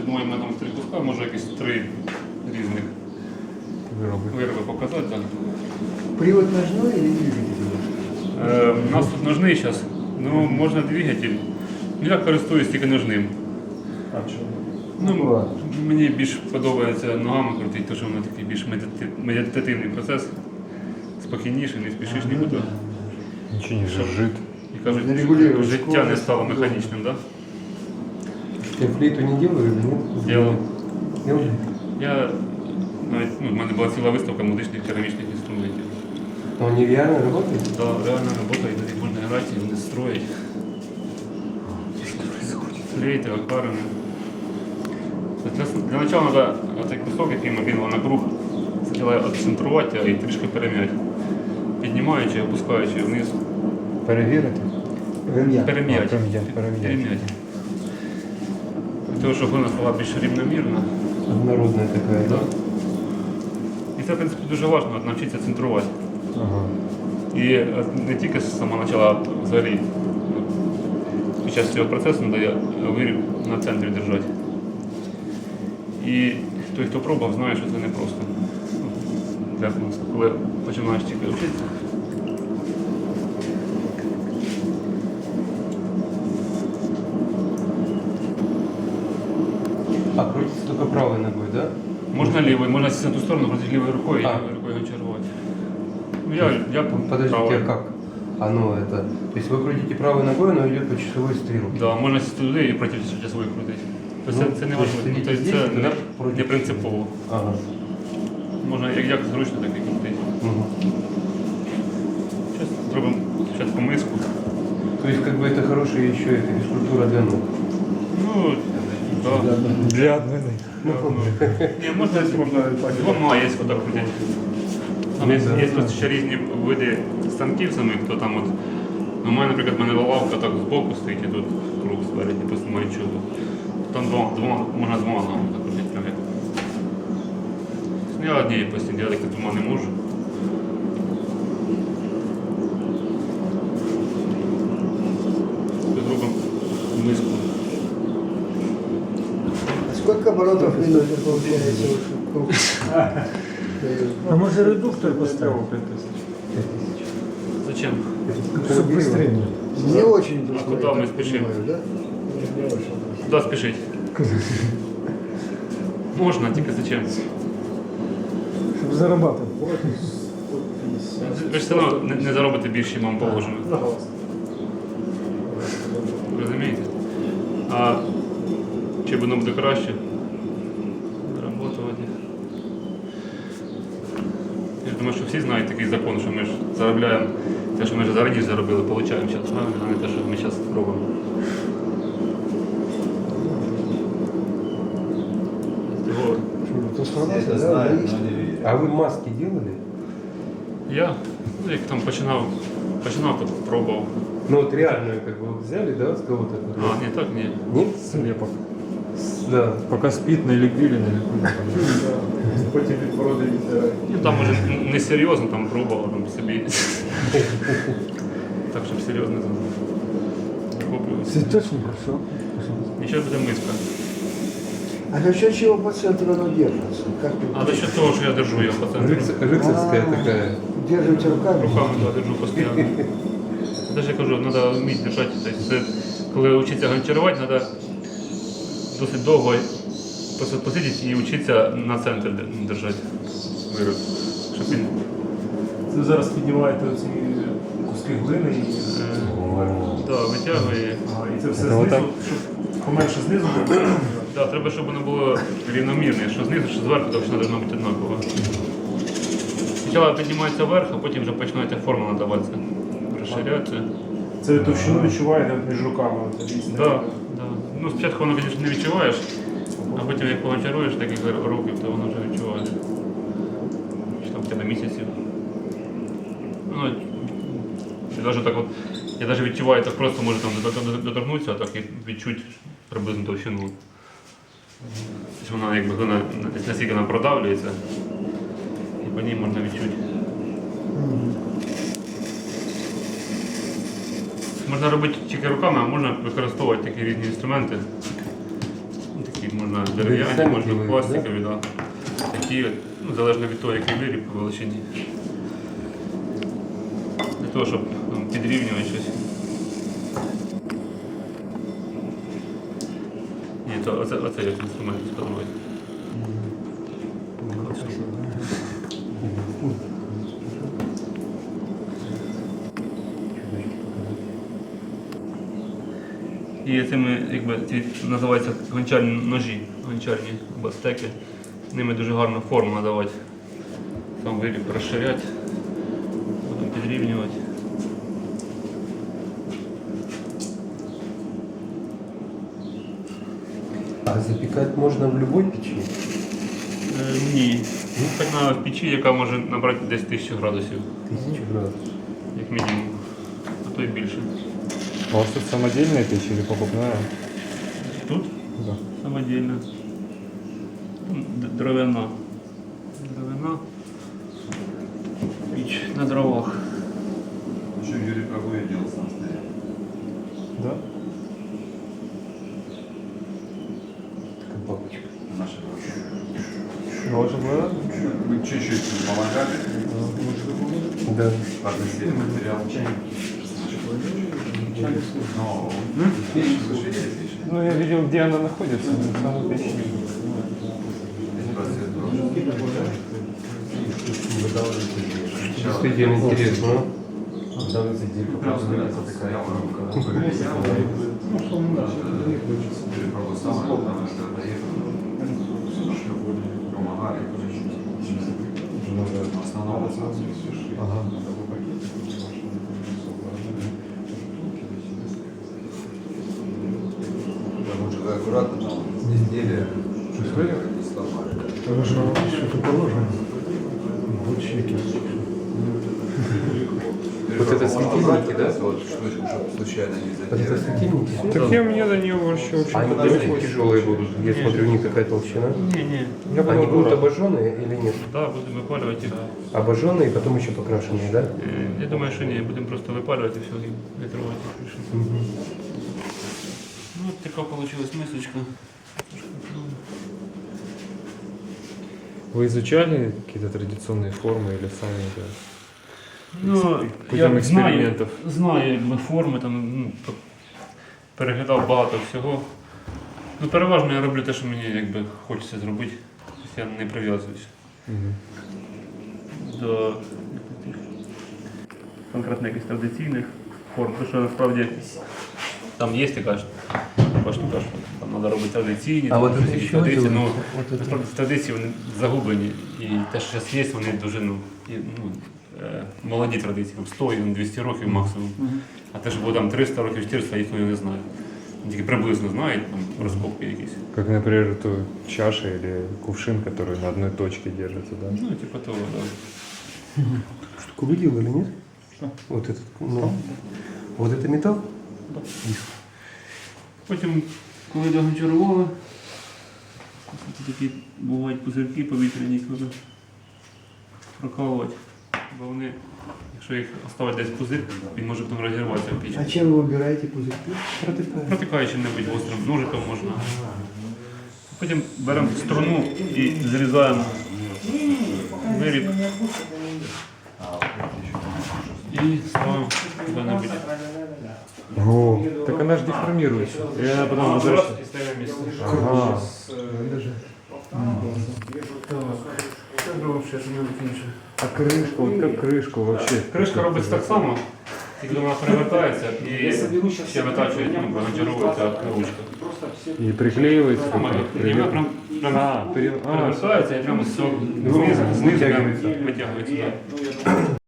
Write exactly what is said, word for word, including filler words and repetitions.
думаю, ми там три куска, може якісь три різних Вироби. вироби показати. Да. Привод ножной или двигатель? Е, у нас тут ножний зараз, ну можна двигатель. Ну, я користуюсь тільки ножним. А чому? Ну, мені більш подобається ногами крутити, тому що воно такий більш медити- медитативний процес. Спокійніше, не спішиш нікуди. Ничего не жужжит. І кажуть, Не регулює життя не скорость. стало механічним, так? Ты флейту не делал или нет? Делал. Делал? Я навіть, ну, в мене була ціла виставка музичних керамічних інструментів. Но он нереально работает? Да, реальна робота, і їх можна грати, і вони строять. Флейти, акваріуми. Для, для начала треба цей кусок, який ми кинули на круг, спочатку відцентрувати і трішки перем'яти. Піднімаючи, опускаючи вниз. Перевірити? Ремня. Перем'яти. А, перем'яти, перем'яти. Перем'яти. Для того, щоб вона стала більш рівномірна. Однородная такая, Да. да? І це, в принципі, дуже важливо навчитися центрувати. Ага. І е, не тільки з самого початку, а взагалі ну, під час цього процесу треба виріб на центрі держати. І той, хто пробував, знає, що це непросто. Ну, для, коли починаєш тільки вчитися. А крутится только правой ногой, да? Можна лівою, можна сісти на ту сторону, проти лівою рукою, і А. лівою рукою чергувати. Ну, я, я Подождите, правою. а как? Оно это... То есть вы крутите правой ногой, оно идет по часовой стрелке. Да, можна сісти туди і проти часової крутити. Тобто Ну, це, це не то есть важливо, ти тобто здесь, це туди, не, проти. не принципово. Ага. Можна як, як зручно, так і крутити. Мгм. Зараз зробимо спочатку миску. То есть как бы это хорошая еще это физкультура для ног. Ну, да. Для одної. Ну, ні, можна, можна двома є отак крутити. Там є, є просто ще різні види станків самих, хто там от. Ну, у мене, наприклад, в мене лавка так збоку стоїть і тут круг спереді, просто немає чого. Там двома, двома, можна двома ногами так крутити прям як. Ну, я однією постійно, я так двома не можу. Зробимо миску. А сколько оборотов в минуту получается? Круг? А може редуктор поставити? Зачем? Щоб швидше. Не очень А куда мы спешим? Да? Куди спішить? Можна, тільки зачем? Щоб зарабатувати. Ви ж все одно не, не заробите більше, ніж вам положено. Розумієте? А чи воно буде краще? Заработувати. Я ж думаю, що всі знають такий закон, що ми ж заробляємо те, що ми вже раніше заробили, получаємо зараз, а не те, що ми зараз робимо. Того Трансформация, да, есть. А вы маски делали? я, ну, як там починав, починав, то пробував. Ну вот реальную как бы взяли, да, с кого-то? А, ні, так, ні. Нет? Слепок. Да. Поки спить, налепили, налепили. Потім відбороди відтирає. Ну там може не серйозно, там пробував там собі. Так, щоб серйозно там. Охоплювався. Це точно хорошо. Нічого буде миска. А за счет чего по центру оно держится? Как вы А за счет того, що я держу його по центру. Рыцарь- рыцарская А. такая. держите руками? Руками да, держу постійно. Даже я кажу, треба вміти держати. Тобто, це, коли вчитися гончарувати, треба досить довго просто посидіти і вчитися на центр держати вироб. Щоб він Це зараз піднімаєте оці куски глини і, е, да, витягує. ага, і це все Це знизу, отак? щоб поменше знизу було. Да, треба, щоб воно було рівномірне, що знизу, що зверху, то все повинно бути однаково. Спочатку піднімається вверх, а потім вже починається форма надаватися, розширятися. Це товщину відчуваєте між руками. от різне. Да, да. Ну, спочатку воно, звісно, не відчуваєш, а потім як погончаруєш декілька років, то воно вже відчуваєш. Чи там в тебе місяців. Ну, чи навіть так от, я навіть відчуваю, так просто може там доторкнутися, а так і відчуть приблизно товщину. Тобто вона якби глина, наскільки вона продавлюється, і по ній можна відчути. Можна робити тільки руками, а можна використовувати такі різні інструменти. Такі можна дерев'яні, самі можна ділають, пластикові, да? Такі, ну, залежно від того, який виріб по величині. Для того, щоб ну, підрівнювати щось. Ні, то оце, оце як інструмент сподобається. І цими, якби, ці називаються гончарні ножі, гончарні або стеки. Ними дуже гарно форму надавати. Сам виріб розширяти, потім підрівнювати. А запекать можно в любой печи? Е, ні. Так на печі, яка може набрати десь тисячу градусів, Тысячу градусов. як мінімум, а то й більше. У вас тут самодельная печь или покупная? Тут Да. самодільна. Д- Дровяна. Дровяна. Піч на дровах. Еще Юрий Прагуя делал сам стоял. Да? Такая бабочка. Наша бабушка. Должен был? Мы чуть-чуть помогали. Да. Подносили материал. Но печь выше есть печь. Ну, я видел, где она находится, в самой печи. Здесь просвет брошен. Действительно интересно. Прям такая рука. Юрий Прагуя сам, потому что доехал. Помогали. В основном Ага. лучше аккуратно там изделия. Не сломали. Что-то положено. Вот чеки. Вот это светильники, да? Вот штучку, чтобы случайно не Вот это задели. светильники? Так у меня до нее вообще очень Они очень тяжелые будут. Я смотрю, у них какая толщина. Ні, ні. Я Они буду будут аккуратно. обожженные или нет? Так, будемо випалювати їх. Обожженные и потом еще покрашенные, да? Е, Я думаю, що ні, будемо просто випалювати все і витривати. Ну, от така вийшла мисочка. Вы изучали какие-то традиционные формы или сами это? Ну, Путем я знаю, експериментів. знаю якби, форми, там, ну, п- переглядав багато всього. Ну, переважно я роблю те, що мені якби, хочеться зробити. Тобто я не прив'язуюся Мгм. до тих конкретно якихось традиційних форм. Тому що насправді там є така ж така штука, що там треба робити традиційні, А там, от щось це якісь що традиції. Ну, робити? От це- насправді традиції вони загублені. І те, що зараз є, вони дуже ну, і, ну, е, молоді традиції, там сто і двісті років максимум. А те, що було там триста років, чотириста, їх ніхто не знає. Тільки приблизно знають, там розкопки якісь. Как, например, эту чаша или кувшин, который на одной точке держится, да? Ну, типу того, так. Штуку вы делали, нет? Вот этот, ну, вот это металл? Потім, коли догончарували, такі бувають пузирки повітряні, їх треба прокалувати. Бо вони, якщо їх оставити десь пузир, він може потім розірватися в піч. А чем вы выбираете пузырьки? Протикаючи небудь гострим ножиком можна. Потім беремо струну і зрізаємо виріб і ставимо куди-небудь. О, так она же деформируется. И она потом возвращается. І ставимо місце. Ага. Це зробимо ще що-небудь інше. А крышка, вот как крышку вообще? Кришка робиться так само, тільки вона перевертається і ще витачує, ну, прогончаровується ручка. И приклеивается. Саме как і вона привет. прям, прям А, пере- а, перевертається і прямо знизу, знизу прям витягується. да.